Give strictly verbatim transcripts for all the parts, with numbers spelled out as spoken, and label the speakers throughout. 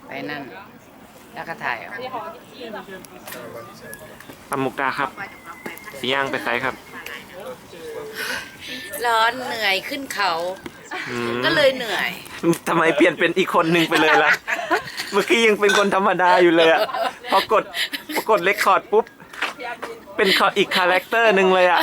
Speaker 1: ไปนั่นแล้วก็ถ่ายเอา
Speaker 2: ปามุกดาครับสีย่างไปไซครับ
Speaker 1: ร้อนเหนื่อยขึ้นเขา
Speaker 2: อืม
Speaker 1: ก็เลยเหนื่อย
Speaker 2: ทำไมเปลี่ยนเป็นอีกคนหนึ่งไปเลยล่ะ เมื่อกี้ยังเป็นคนธรรมดาอยู่เลยอะพอกดพอกดเลคคอร์ดปุ๊บ เป็นอีกคาแรคเตอร์หนึ่งเลยอะ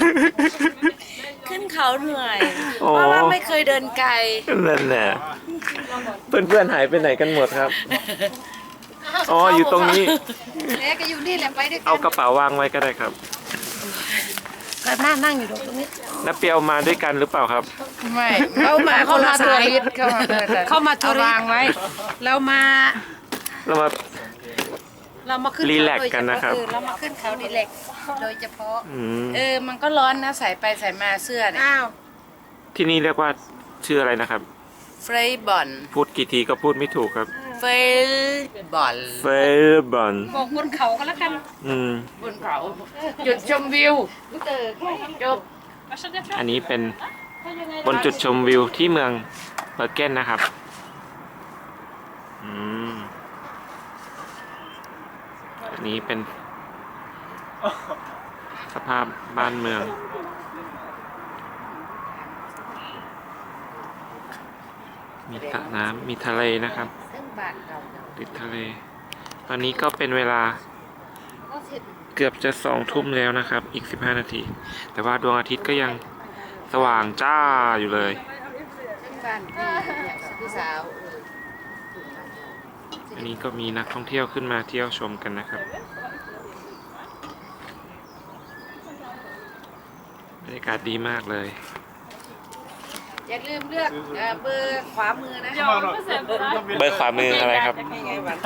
Speaker 1: ขึ้นเขาเหนื่อย
Speaker 2: โอ้
Speaker 1: เพราะว่าไม่เคยเดินไกล
Speaker 2: นั่นแหละเพื่อนๆหายไปไหนกันหมดครับ อ๋ออยู่ตรงนี้
Speaker 1: แม่ก็อยู่นี่แหละไปด้วยกั
Speaker 2: เอากระเป๋าวางไว้ก็ได้ครับ
Speaker 1: ก็นั่งนั่งอยู่ตรงนี้
Speaker 2: น้าเปียวมาด้วยกันหรือเปล่าครับ
Speaker 1: ไม่เข้ามาคนละสายเข้ามาเข้ามาทัวร์วางไว้ เรามา
Speaker 2: เรามา
Speaker 1: เรามาขึ้น
Speaker 2: รีแลกซ์กันนะครับ
Speaker 1: เออเรามาขึ้นเขารีแลกซ์โดยเฉพาะ
Speaker 2: อืม
Speaker 1: เออมันก็ร้อนนะใส่ไปใส่มาเสื้อเนี่ยอ้าว
Speaker 2: ที่นี่เรียกว่าชื่ออะไรนะครับ
Speaker 1: เฟรย์บอล
Speaker 2: พูดกี่ทีก็พูดไม่ถูกครับ
Speaker 1: เฟรย์บอล
Speaker 2: เฟลบอน
Speaker 1: บอกบนเขาก็แล้วกัน
Speaker 2: อืม
Speaker 1: บนเขาจุดชมวิวจบ
Speaker 2: อันนี้เป็นบนจุดชมวิวที่เมืองเบอร์เกนนะครับ อืม อันนี้เป็นสภาพบ้านเมือง มีสระน้ำมีทะเลนะครับ
Speaker 1: ซึ่งบ้านเรา
Speaker 2: ติดทะเล ตอนนี้ก็เป็นเวลาเกือบจะสองทุ่มแล้วนะครับ อีกสิบห้านาที แต่ว่าดวงอาทิตย์ก็ยังสว่างจ้าอยู่เลย
Speaker 1: ซึ่งบ้านพี่เนี่ยกับพี่สาวเออ
Speaker 2: อันนี้ก็มีนักท่องเที่ยวขึ้นมาเที่ยวชมกันนะครับ บรรยากาศดีมากเลย
Speaker 1: อย่าลืมเลือกเอ่อเบอร์ขวามือนะ
Speaker 2: เบอร์ขวามืออะไรครับ
Speaker 1: นี่ไงหวาน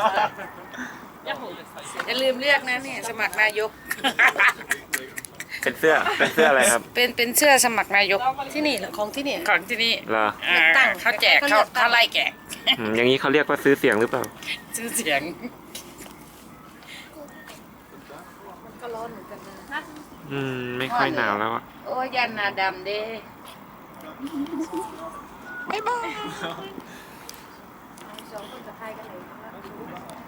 Speaker 1: อย่าลืมเลือกนะเนี่ยสมัครนายก
Speaker 2: เป็นเสื้อ เป็นเสื้ออะไรครับ
Speaker 1: เป็นเป็นเสื้อสมัครนายกที่นี่เหรอของที่นี่ของที่นี่
Speaker 2: เหรอ
Speaker 1: อ่าตั้งเขาแจกเขาเขาไล่แจก
Speaker 2: อืมอย่างนี้เขาเรียกว่าซื้อเสียงหรือเปล่า
Speaker 1: ชื่อเสียงมันก็ร้อนเหมือนกันนะ
Speaker 2: อืม ไม่ค่อยหนาวแล้วอะ
Speaker 1: โอ้ยยันหนาดำเด้บ๊ายบายสองคนจะพายกันเลย